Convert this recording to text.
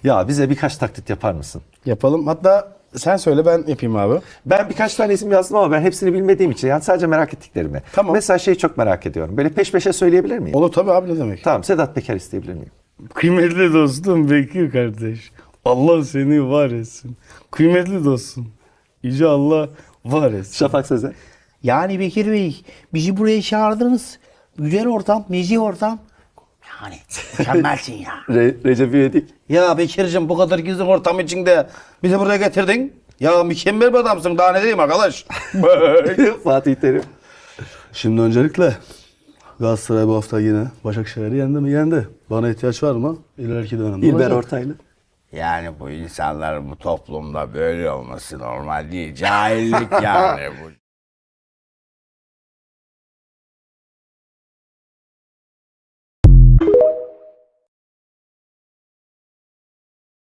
Ya bize birkaç taklit yapar mısın? Yapalım. Hatta sen söyle ben yapayım abi. Ben birkaç tane isim yazdım ama ben hepsini bilmediğim için yani sadece merak ettiklerimi. Tamam. Mesela şeyi çok merak ediyorum. Böyle peş peşe söyleyebilir miyim? Olur tabii abi, ne demek. Tamam, Sedat Peker isteyebilir miyim? Kıymetli dostum Bekir kardeş. Allah seni var etsin. Kıymetli dostum. Yüce Allah var etsin. Şafak Sezer. Yani Bekir Bey, bizi buraya çağırdınız. Güzel ortam, nezih ortam. Yani mükemmelsin ya. Recep İvedik. Ya Bekir'cim, bu kadar gizli ortam içinde bizi buraya getirdin. Ya mükemmel bir adamsın, daha ne diyeyim arkadaş. Fatih Terim. Şimdi öncelikle Galatasaray bu hafta yine Başakşehir'i yendi mi? Yendi. Bana ihtiyaç var mı? İleriki dönemde İlber olacak. Ortaylı. Yani bu insanların bu toplumda böyle olması normal değil. Cahillik yani bu.